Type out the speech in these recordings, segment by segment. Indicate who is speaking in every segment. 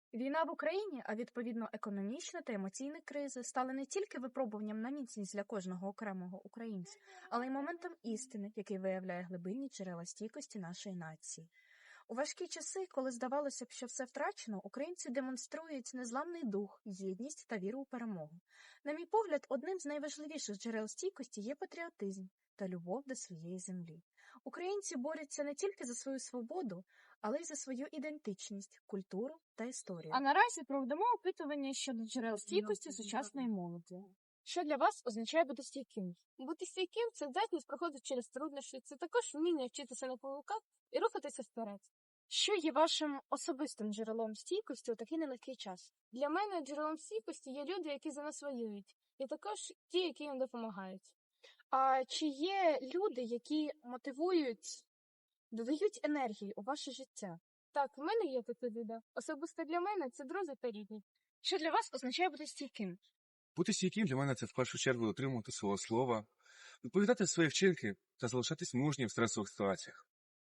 Speaker 1: Війна в Україні, а відповідно економічна та емоційна кризи, стали не тільки випробуванням на міцність для кожного окремого українця, але й моментом істини, який виявляє глибинні джерела стійкості нашої нації. У важкі часи, коли здавалося б, що все втрачено, українці демонструють незламний дух, єдність та віру у перемогу. На мій погляд, одним з найважливіших джерел стійкості є патріотизм та любов до своєї землі. Українці борються не тільки за свою свободу, але й за свою ідентичність, культуру та історію.
Speaker 2: А наразі проведемо опитування щодо джерел стійкості сучасної молоді. Що для вас означає бути стійким?
Speaker 3: Бути стійким – це здатність проходити через труднощі, це також вміння вчитися на помилках і рухатися вперед.
Speaker 2: Що є вашим особистим джерелом стійкості у такий нелегкий час?
Speaker 3: Для мене джерелом стійкості є люди, які за нас воюють, і також ті, які їм допомагають.
Speaker 2: А чи є люди, які мотивують, додають енергії у ваше життя?
Speaker 3: Так, в мене є такі люди. Особисто для мене це друзі та рідні.
Speaker 2: Що для вас означає бути стійким?
Speaker 4: Бути стійким для мене це в першу чергу дотримувати свого слова, відповідати за свої вчинки та залишатись мужнім в стресових ситуаціях.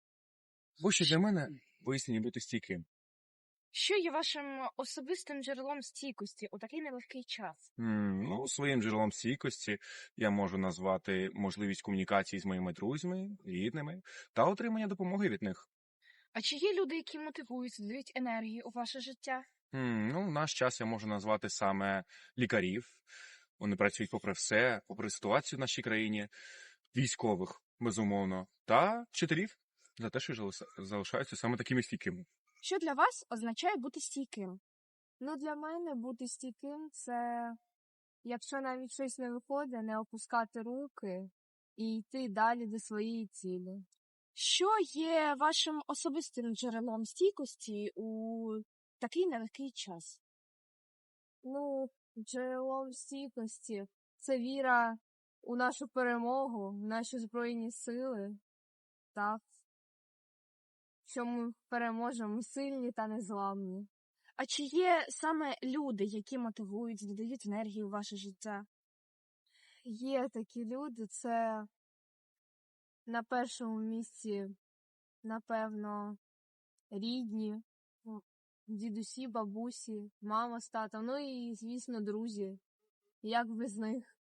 Speaker 4: Ось що для мене пояснення бути стійким.
Speaker 2: Що є вашим особистим джерелом стійкості у такий нелегкий час?
Speaker 4: Своїм джерелом стійкості я можу назвати можливість комунікації з моїми друзями, рідними та отримання допомоги від них.
Speaker 2: А чи є люди, які мотивують, додають енергії у ваше життя?
Speaker 4: В наш час я можу назвати саме лікарів. Вони працюють попри все, попри ситуацію в нашій країні, військових, безумовно, та вчителів за те, що залишаються саме такими стійкими.
Speaker 2: Що для вас означає бути стійким?
Speaker 3: Для мене бути стійким – це, якщо навіть щось не виходить, не опускати руки і йти далі до своєї цілі.
Speaker 2: Що є вашим особистим джерелом стійкості у такий нелегкий час?
Speaker 3: Джерелом стійкості – це віра у нашу перемогу, в наші Збройні Сили, так, що ми переможемо, сильні та незламні.
Speaker 2: А чи є саме люди, які мотивують, додають енергію у ваше життя?
Speaker 3: Є такі люди, це на першому місці, напевно, рідні, дідусі, бабусі, мама з татом, і, звісно, друзі. Як без них?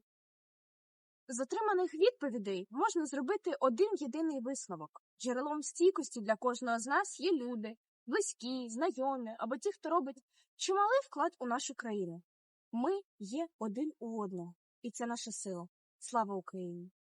Speaker 1: З отриманих відповідей можна зробити один єдиний висновок. Джерелом стійкості для кожного з нас є люди, близькі, знайомі або ті, хто робить чималий вклад у нашу країну. Ми є один у одного, і це наша сила. Слава Україні!